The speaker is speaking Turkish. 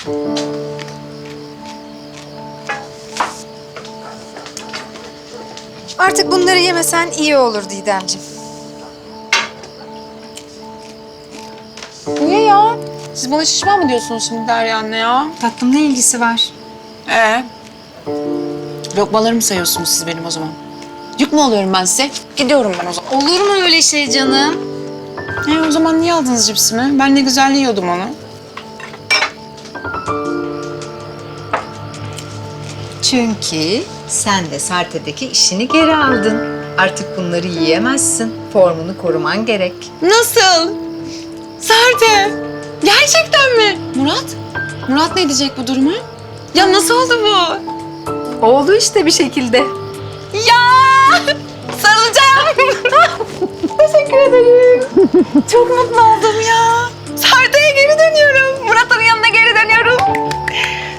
Artık bunları yemesen iyi olur Didemciğim. Niye ya? Siz bana şişman mı diyorsunuz şimdi Derya anne ya? Tatlım ne ilgisi var? Lokmalarımı sayıyorsunuz siz benim o zaman. Yük mü oluyorum ben size? Gidiyorum ben o zaman. Olur mu öyle şey canım? O zaman niye aldınız cipsimi? Ben ne güzel yiyordum onu. Çünkü sen de Sarte'deki işini geri aldın. Artık bunları yiyemezsin. Formunu koruman gerek. Nasıl? Sarte! Gerçekten mi? Murat? Murat ne diyecek bu duruma? Ya nasıl oldu bu? Oldu işte bir şekilde. Ya! Sarılacağım. Teşekkür ederim. Çok mutlu oldum ya. Sarte'ye geri dönüyorum. Murat'ın yanına geri dönüyorum.